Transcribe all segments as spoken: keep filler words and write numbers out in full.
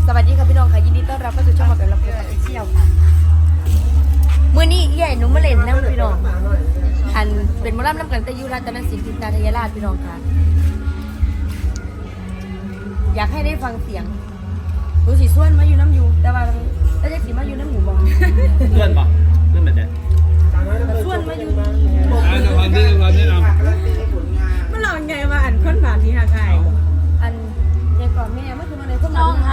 สวัสดีค่ะพี่น้องค่ะยินดีต้อนรับเข้าสู่ช่องมาแบบรับเพื่อนเที่ยวค่ะมื่อนี้ใหญ่หนูมาเล่นน้ำพี่น้องอันเป็นมอลล์น้ำกันตะยุรัตนศิลป์ทิตาทยราชพี่น้องค่ะอยากให้ได้ฟังเสียงรู้สีส่วนมาอยู่น้ำอยู่แต่ว่าถ้าจะสีมาอยู่น้ำหมูบอลส่วนปะส่วนแบบไหนส่วนมาอยู่อ่าจะความที่ความที่นำมันลองไงมาอ่านค้นบาทนี้ค่ะไก่อันเนี่ยก่อนแม่เมื่อคืนมาเลยพวกน้องค่ะ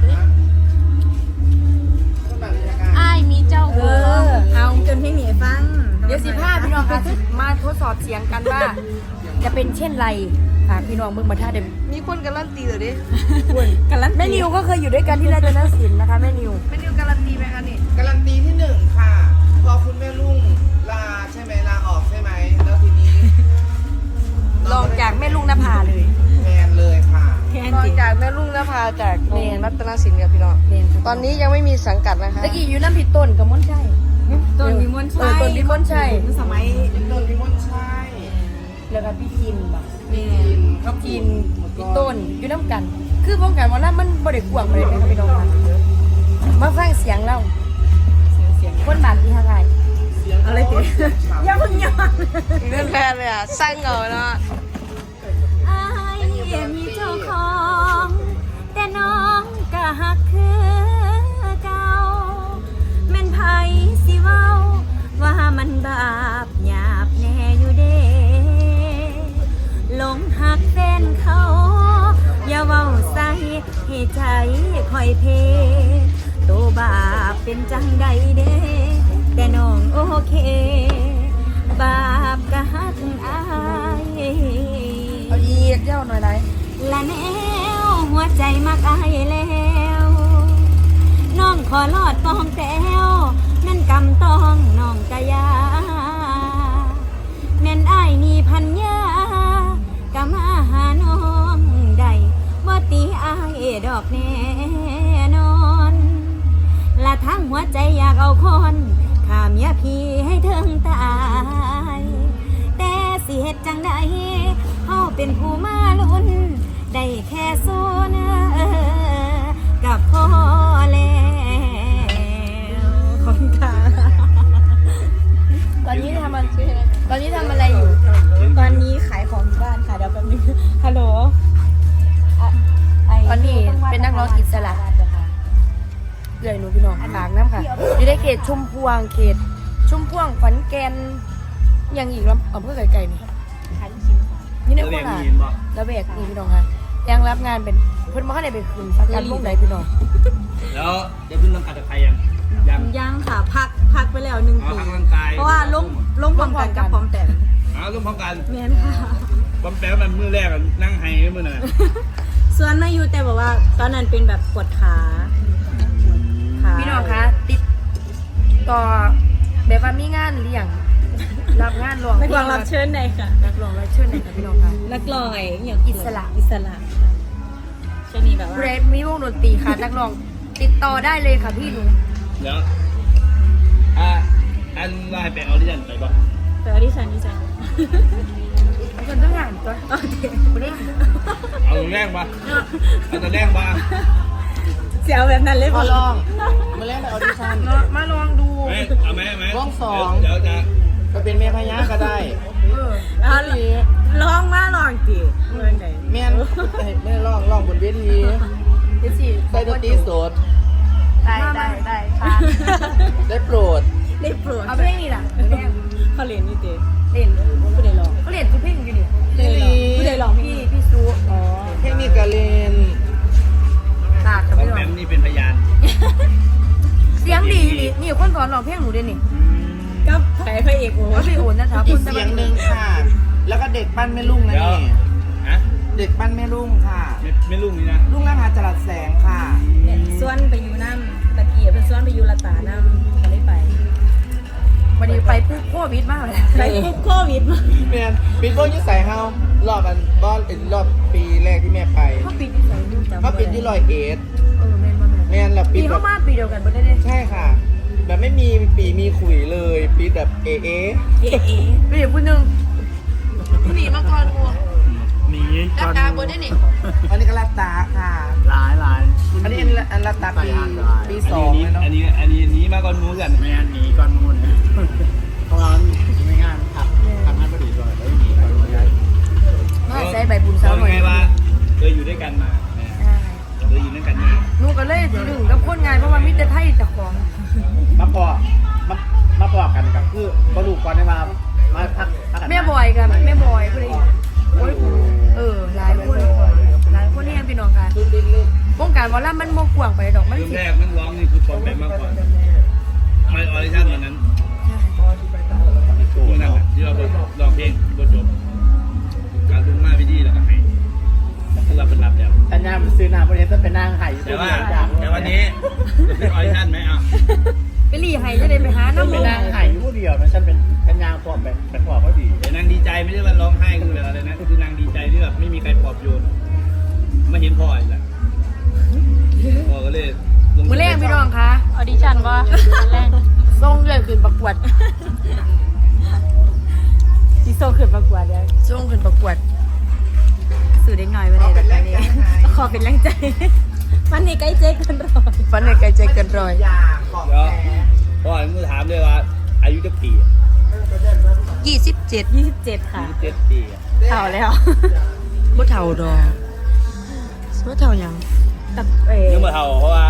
อ้ายมีเจ้าเออเอาจนเพลงหนีฟังเดี๋ยวสิพาพี่น้องค่ะมาทดสอบเสียงกันว่า จะเป็นเช่นไรค่ะพี่น้องเมื่อมาท่าเดิมมีคนการันตีเหรอดิกันลันแม่นิวก็เคยอยู่ด้วยกันที่ราชนศิลป์นะคะแม่นิวไม่นิวการันตีไหมคะนี่การันตีที่หนึ่งค่ะ พอคุณแม่ลุงลาใช่ไหมลาออกใช่ไหมแล้วทีนี้ลองจากแม่ลุงนภาเลยแมนเลยค่ะแค่ตอนจิจากแม่ลุงนภาจากโรงรัตนศิลป์กับพี่น้องเรียนตอนนี้ยังไม่มีสังกัดนะคะตะกี้อยู่น้ำผิดต้นกับม้นใช่ต้นมีมนชัยเออต้นมีมนชัยสมัยโดนพิมพ์ใช่แล้วก็พี่จินแบบนี่พี่จินพี่ต้นอยู่น้ำกัน คือป้องกันว่านั้นมันบริกวางไปเลยนะคะพี่น้องค่ะมาฟังเสียงเราเสียงคนบาดที่ห่างไกลอะไรติอย่าเพิ่งย้อนเรื่องแรกเลยอ่ะสร้างเงาเนาะอ้ายมีเจ้าของแต่น้องก็หักคือเก่าแม่นไผสิเว้าว่ามันบาปหยาบแน่อยู่เด้หลงหักแฟนเขาอย่าเว้าใส่ให้ใจคอยเพตัวบาปเป็นจังใดเด้แต่น้องโอเค บาปก็หักอายเอาอีกเจ้าหน่อยไรและแนวหัวใจมักอายแล้ว น้องขอลอดปองแต้วนั่นกำต้องน้องกะยาแม่นอายนี่พันยากะมาหาน้องได้บ่ตีอายดอกแน่นอนละทั้งหัวใจอยากเอาคนข้าเมียพี่ให้ถึงตายแต่สิเฮ็ดจังใดเฮาเป็นผู้มาลุ้นได้แค่สู้นะเออกับพ่อแล้วขอบคุณค่ะตอนนี้ทำอะไรตอนนี้ทำอะไรอยู่ตอนนี้ขายของที่บ้านค่ะเดี๋ยวแป๊บนึงฮัลโหลอ่ะไตอนนี้เป็นนักร้องอิสระเกลือหนูพี่น้องฝากน้ำค่ะอยู่ในเขตชุมพวงเขตชุมพวงขอนแก่นยังอีกแล้วอำเภอไก่ๆนี่นี่ในแล้วโคเรียกราชมีนบอกแล้วแบกนี่พี่น้องค่ะยังรับงานเป็นเพิ่นมาให้ได้ไปคืนประกันวงไหนพี่น้องแล้วจะขึ้นร่างกายกับใครยังยังยังค่ะพักพักไปแล้วหนึ่งอ๋อปีพักร่างกายเพราะว่าล้มล้มพร้อมกันกับพร้อมแต่อ๋อร่วมพร้อมกันแม่นค่ะปั๊มแป๊บมันมือแรกอะนั่งไห้มือหน่อยส่วนมาอยู่แต่บอกว่าตอนนั้นเป็นแบบปวดขาขาพี่น้องคะติดต่อแบบว่ามีงานเลี้ยงรับงานรวงนักร้องรับเชิญไหนค่ะนักร้องรับเชิญไหนคะพี่น้องคะนักร้องอย่างอิสระอิสระช่วงนี้แบบว่าเรดมีวงดนตรีค่ะนักร้องติดต่อได้เลยค่ะพี่หนูแล้วอ่ะอันไลน์ไปออดิชั่นไปป่ะแต่ว่าดิฉันดิฉันคนต้องงานตัวโอเคคนนี้เอาตัวแรกป่ะเอาตัวแรกป่ะเสียวแบบนั้นเลยพอป่ะลองมาเล่นในออดิชั่นมาลองดูไหมเอาไหมเอาไหมวงสองเดี๋ยวจะไปเป็นเมียพญาก็ได้เออเอาลองมาลองจีเมื่อไหร่แม่นไม่ได้ร้องร้องบนเวทีเดี๋ยวสิใส่ดนตรีสดได้ได้ได้ค่ะได้โปรดได้โปรดเอาเพลงนี่ล่ะเพลงเขาเรียนนี่เต้เล่นผู้ใดลองเขาเล่นทุกเพลงอยู่นี่ผู้ใดลองผู้ใดลองพี่พี่ซูอ๋อเพลงนี้กะเลนตากกับปั๊มพี่น้อแป๊งบนี่เป็นพยานเสียงดีอยู่นี่นี่คนสอนร้องเพลงหนูเด้นี่ก็ไผ่พระเอกโอ้ว่าพี่โอนนะคะอีกเสียงหนึ่งค่ะ แล้วก็เด็กปั้นแม่ลุงนะเดี๋ยวนี่ฮะเด็กปั้นแม่ลุงค่ะไม่ไม่ลุงนี่นะลุงนภาจรัสแสงค่ะส่วนไปอยู่น้ำตะเกียบเป็นส่วนไปอยู่ละตาน้ำก็เลยไปวันนี้ไปปุ๊บโควิดมากเลยไปปุ๊บโควิดมาแมนปีโป้ยิ่งใส่เฮารอบอันบอลเป็นรอบปีแรกที่แม่ไปเขาปิดที่ไหนดูจำเขาปิดที่ลอยเอ็ดเออแม่นบ่แม่นแมนแล้วปีปิดแบเข้าบมาปีเดียวกันบ่ได้เด้ใช่ค่ะ แบบไม่มีปีมีขุยเลยปิดแบบเอเอเอ๋เอ๋ปีเดียวพูดหนึงหนีมาก่อนกูมหนีรับตาบนได้นี่อันนี้ก็รับตาค่ะหลายหลายอันนี้อันนี้อันรับตาปีปีสองเลยเนาะอันนี้อันนี้อันนี้มาก่อนมูกันไม่อันนี้ก่อนมูนเพราะว่าไม่งานผักทำงานพอดีเลยแล้วหนีก่อนมูกันมาใส่ใบบุญสาวหน่อยไงว่าเคยอยู่ด้วยกันมาเคยอยู่ด้วยกันมาหนูก็เลยดึงกับคนงานเพราะว่ามิตรไทยจากของมาพอมามาพอกันกับคือบรรลุก่อนได้มามาพักพักกันแม่บอยกับแม่บอยผู้ใดโอ้ยเออหลายคนหลายคนนี่พี่น้องค่ะวงการวอลล่ามันโมกว่างไปดอกมันเริ่มสิแรกนักร้องนี่คือปอมแปมมากกว่าไม่ออริจินวันนั้นตัวนั้นที่เราร้องเพลงบทจบการลงมาพิธีแล้วก็ให้คือเราเป็นรับแล้วสัญญามันซื้อหน้าบริษัทเป็นนางไห่แต่ว่าแต่วันนี้จะเป็นออริจินไหมอ่ะไปรีไห้จะได้ไปหาน้ำเป็มัน นนางไห่ผู้เดียวนะฉันเป็นสัญญาพร้อมแบบเป็นพร้อมพอดีแต่นางดีใจไม่ได้ว่าร้องไห้คือแบบอะไรนะคือนางดีใจที่แบบไม่มีใครปลอบโยนไม่เห็นพ่ออีกแล้วพ่อก็เลยลงมือแรกพี่น้องค่ะออดิชั่นว่าแรกส่งเลยขึ้นประกวดดิโซขึ้นประกวดเลยส่งขึ้นประกวดสื่อเด็กหน่อยวันนี้แบบนี้ขอเป็นแรงใจวันนี้ใกล้เจ๊กันรอยฟันในไกลใจเกินร้อยยาขอบเดี๋ยวแท้พ่อมึงถามเลยว่าอายุจะปียี่สิบเจ็ดยี่สิบเจ็ดค่ะยี่สิบเจ็ดปีเท่าแล้วบ่เท่าดอกบ่เท่าหยังแต่เอ๋ยังมาเท่าเพราะว่าก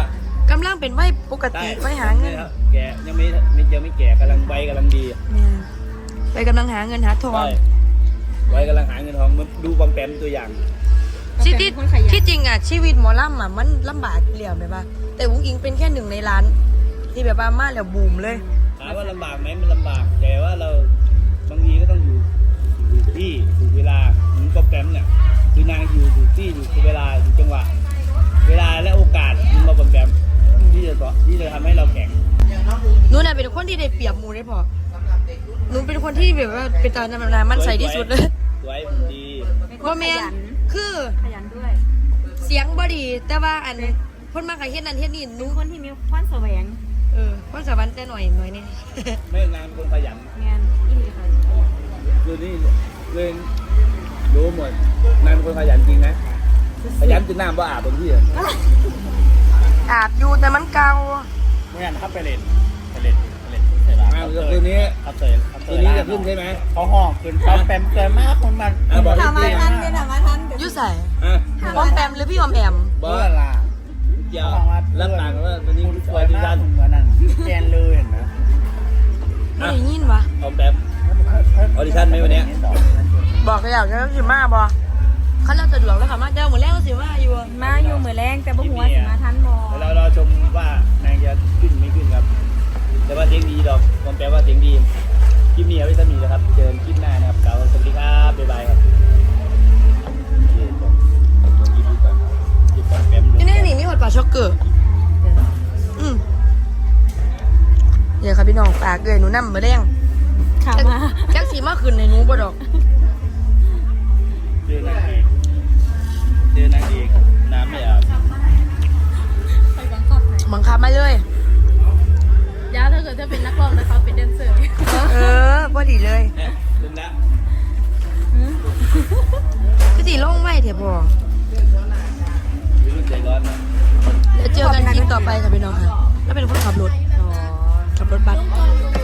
ำลังเป็นวัยปกติไว้หาเงินแกยังไม่ไม่ยังไม่แก่กำลังใบกำลังดีแม่ไปกำลังหาเงินหาทองใช่ใบกำลังหาเงินทองมันดูบอมแปมตัวอย่างที่ที่ที่จริงอ่ะชีวิตหมอลำอ่ะมันลำบากเหลี่ยมแบบว่าแต่วุ้งอิงเป็นแค่หนึ่งในล้าน ที่แบบว่ามาแล้วบูมเลยถามว่าลำบากไหมมันลำบาก แต่ว่าเราบางทีก็ต้องอยู่อยู่ที่อยู่เวลาเหมือนบอมแปมเนี่ยคือนางอยู่อยู่ที่อยู่เวลาอยู่จังหวะ เวลาและโอกาสมันมาบอมแปมที่จะที่จะทำให้เราแข่งหนูน่ะเป็นคนที่ได้เปรียบหมูได้พอหนูเป็นคนที่แบบว่าเป็นตาจำนานมันใส่ที่สุดเลยสวยหุ่นดีว่าแมนคือขยันด้วยเสียงบอดี แต่ว่าอันคนมาขายเฮ็ดนั่นเฮ็ดนี่หนูเป็นคนที่มีพรแสวงเออคนสวรรค์แต่หน่อยหน่อยนี่ไม่นานคนขยันงานอินดีค่ะคือนี่เลยรู้หมดนายเป็นคนขยันจริงนะขยันจนน้ำว่าอาบบางที่อะอาบอยู่แต่มันเก่าเมื่อนั้นเขาไปเล่นไปเล่นไปเล่นเสร็จแล้วอ้าวแล้วคืนนี้เขาเตยเขาเตคืยนนี้จะขึ้นใช่ไหมเขาห้องขึ้นเขาแปมเกินมากคนมันอ่ะบอกถามมาพี่ทันเป็นถามมาทันอยู่ใส่อ่ะออมแปมหรือพี่ออมแอมบเบื่ออสละเกี่ยวรับต่างกันว่าวันนี้คุณสสววย ยดีมากด้านเหมือนนั้นแกนเลยเห็นไหมไม่ได้ยินวะออมแปม ออดิชั่นไหมวันเนี้ยบอกก็อยากจะสิมาบอเขาเล่าสะดวกแล้วค่ะมาเจ้าหมดแล้วสิมาอยู่มาอยู่มือแรงแต่บ่หัวสิมาทันบอเราเราชมว่านางจะขึ้นไม่ขึ้นครับ แต่ว่าเสียงดีดอกออมแปมว่าเสียงดีคลิปนี้เอาไว้สมีนะครับเจอกันคลิปหน้านะครับกล่าวสวัสดีครับบ๊ายบายครับเย้จบคลิปดูก่อนคลิปออมแปมนี่นี่มีหอดปลาช็อกเกอร์อืมเดี๋ยวครับพี่น้องฝากเลยหนูนั่มาแดงถามมาจักสีมาขึ้นในหนูบ่ดอกเจอนางเอกเจอนางเอกน้ำไม่อาบไปบังคับไหนบังคับมาเลยยาถ้าเกิดจะเป็นนักร้องแล้วเขาเป็นแดนเซอร์เออพอดีเลยเนี่ยลืมละคือสีลงไว้เถอะพ่อวิรุ่นใจร้อนนะเดี๋ยวเจอกันคลิปต่อไปค่ะพี่น้องค่ะแล้วเป็นคนขับรถขับรถบัส